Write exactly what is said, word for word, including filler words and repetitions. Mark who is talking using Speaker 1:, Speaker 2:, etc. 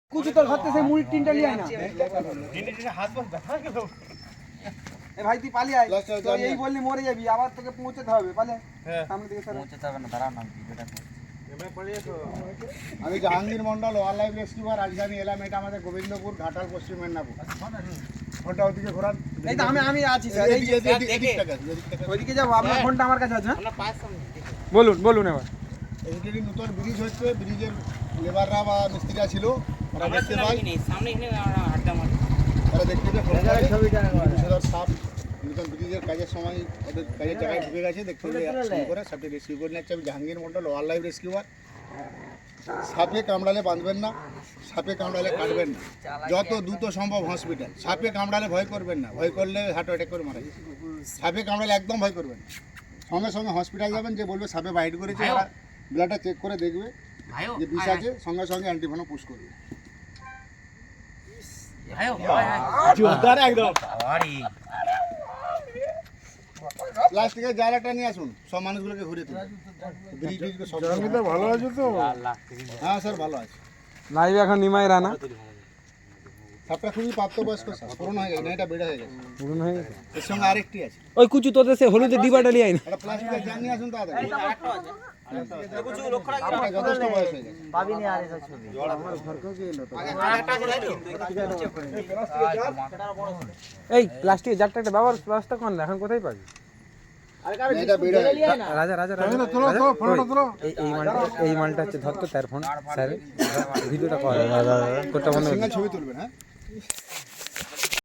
Speaker 1: কুচু তোর হাতে সেই মুড়ির টিনটা নিয়ে আয় না। এ ভাই তুই পালিয়ে আয়, তো এই বললি মরে যাবি, আবার তোকে পৌঁছাতে হবে, পালে সামনে দিকে সর।
Speaker 2: পৌঁছাতে হবে না, দাঁড়াও না ভিডিওটা কর।
Speaker 3: আমি Jahangir Mondal, wildlife rescuer, রাজধানী এলাম। এটা আমাদের গোবিন্দপুর, ঘাটাল, পশ্চিম মেদিনীপুর। ফোনটা ওদিকে ঘোরান।
Speaker 1: এই তো আমি আমি আছি স্যার, এই যে ওইদিকে যাবো, আপনার ফোনটা আমার কাছে আছে। বলুন বলুন এবার।
Speaker 3: এদিকে নতুন ব্রিজ হচ্ছে, ব্রিজের লেবাররা বা মিস্ত্রিরা ছিল, ওরা দেখতে পাই,
Speaker 2: সামনে এখানে আড্ডা মারি।
Speaker 3: ওরা দেখতে পেয়ে ছবিটা সাপ নতুন ব্রিজের কাজের সময় ওদের কাজের জায়গায় ঢুকে গেছে, দেখতে পেয়ে করে সাপটি রেস্কিউ করে নিচ্ছে। আমি Jahangir Mondal, wildlife rescuer. সাপে কামড়ালে বাঁধবেন না, সাপে কামড়ালে কাটবেন না, যত দ্রুত সম্ভব হসপিটাল। সাপে কামড়ালে ভয় করবেন না, ভয় করলে হার্ট অ্যাটাক করে মারা যায়। সাপে কামড়ালে একদম ভয় করবেন না, সঙ্গে সঙ্গে হসপিটাল যাবেন। যে বলবে সাপে বাইট করেছে, ওরা ব্লাডটা চেক করে দেখবে যে বিষ আছে, সঙ্গে সঙ্গে অ্যান্টিভেনম পুশ করবে। প্লাস্টিকের জায়গাটা নিয়ে আসুন, সব মানুষগুলোকে ঘুরে তুলুন। ভালো আছে তো? হ্যাঁ স্যার ভালো আছে।
Speaker 1: লাইভ এখন নিমাই রানা
Speaker 3: সাপটা খুবই প্রাপ্তবয়স্ক, পুরনো হয়ে গেছে না, এটা বেড়ে হয়ে গেছে।
Speaker 1: পুরনো হয়ে গেছে।
Speaker 3: এর সঙ্গে আরেকটি আছে।
Speaker 1: ওই কুচু তোদের সে হলুদের ডিবাটা নিয়ে আয় না।
Speaker 3: এটা প্লাস্টিকের জার নিয়ে আসুন তাড়াতাড়ি। আপনার যথেষ্ট বয়স হয়ে গেছে।
Speaker 2: পাবিনি আর এসব ছবি।
Speaker 3: আমার ঘরকেও কি এলো তো?
Speaker 1: এই প্লাস্টিকের জারটা একটা ব্যবহার ব্যবস্থা কর না, এখন কোথায় পাবি?
Speaker 3: এটা বেড়ে হয়ে গেছে।
Speaker 1: রাজা রাজা রাজা এই এই মালটা এই মালটা হচ্ছে ধর তো তার ফোন স্যার ভিডিওটা কর, কোনটা বন্ধ
Speaker 3: সিঙ্গেল ছবি তুলবেন, হ্যাঁ।